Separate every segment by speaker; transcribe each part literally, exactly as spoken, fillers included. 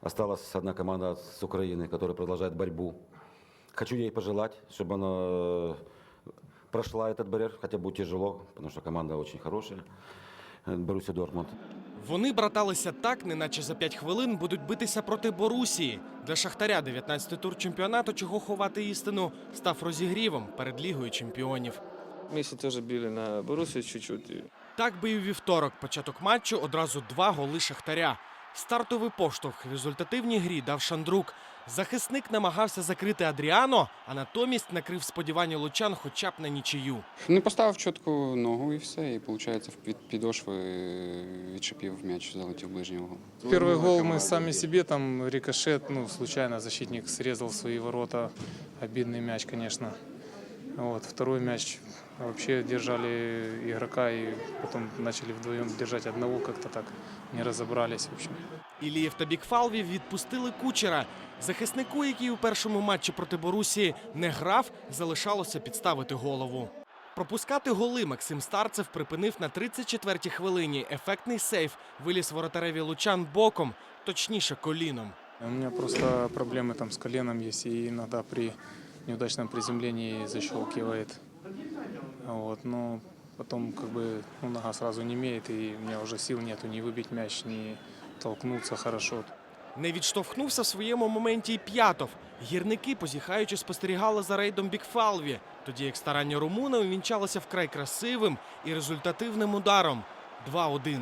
Speaker 1: осталась одна команда с Украины, которая продолжает борьбу. Хочу ей пожелать, чтобы она прошла этот барьер, хотя будет тяжело, потому что команда очень хорошая, Боруссия Дортмунд.
Speaker 2: Вони браталися так, неначе за п'ять хвилин будуть битися проти Борусії. Для Шахтаря дев'ятнадцятий тур чемпіонату, чого ховати істину, став розігрівом перед Лігою чемпіонів.
Speaker 3: Месси тоже били на Боруссию чуть-чуть.
Speaker 2: Так би і у вівторок. Початок матчу одразу два голи Шахтаря. Стартовий поштовх в результативній грі дав Шандрук. Захисник намагався закрити Адріано, а натомість накрив сподівання лучан хоча б на нічию.
Speaker 4: Не поставив чітку ногу і все, і виходить від підошви відшипів м'яч, залетів в ближній угол.
Speaker 5: Первый гол мы сами себе, там рикошет, ну случайно защитник срезал свои ворота, обидный мяч, конечно. Вот, второй мяч вообще держали игрока и потом начали вдвоем держать одного, как-то так не разобрались, в общем.
Speaker 2: Ілієв та Бікфалві відпустили Кучера. Захиснику, який у першому матчі проти Борусії не грав, залишалося підставити голову. Пропускати голи Максим Старцев припинив на тридцять четвертій хвилині. Ефектний сейф виліз воротареві лучан боком, точніше коліном.
Speaker 5: У меня просто проблемы там с коленом есть, и иногда при неудачном приземлении защелкивает. Вот, но потом как бы ну, нога сразу не имеет, и у меня уже сил нету ни выбить мяч, ни толкнуться хорошо.
Speaker 2: Не відштовхнувся в своєму моменті і П'ятов. Гірники, позіхаючи, спостерігали за рейдом Бікфалві, тоді як старання румуна увінчалося вкрай красивим і результативним ударом – два один.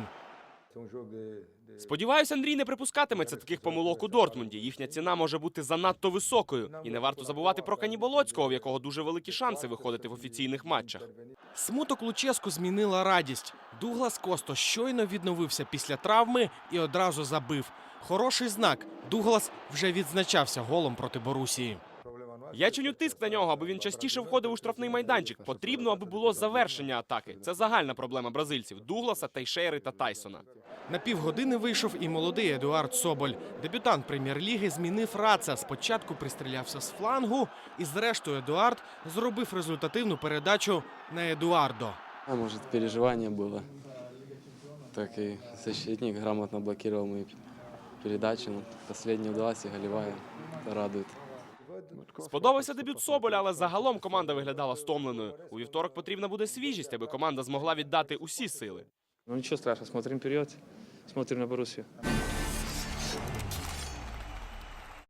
Speaker 6: Сподіваюся, Андрій не припускатиметься таких помилок у Дортмунді. Їхня ціна може бути занадто високою. І не варто забувати про Каніболоцького, в якого дуже великі шанси виходити в офіційних матчах.
Speaker 2: Смуток Луческу змінила радість. Дуглас Косто щойно відновився після травми і одразу забив. Хороший знак. Дуглас вже відзначався голом проти Борусії.
Speaker 6: Я чиню тиск на нього, аби він частіше входив у штрафний майданчик. Потрібно, аби було завершення атаки. Це загальна проблема бразильців – Дугласа, Тейшейри та Тайсона.
Speaker 2: На півгодини вийшов і молодий Едуард Соболь. Дебютант прем'єр-ліги змінив Раца. Спочатку пристрілявся з флангу, і зрештою Едуард зробив результативну передачу на Едуардо.
Speaker 3: А может, переживание было. Так и защитник грамотно блокировал мои передачи. Но последняя удалась и голевая. Это радует.
Speaker 6: Сподобався дебют Соболя, але загалом команда виглядала стомленою. У вівторок потрібна буде свіжість, аби команда змогла віддати усі сили.
Speaker 3: Ну ничего страшного, смотрим вперед, смотрим на Боруссию.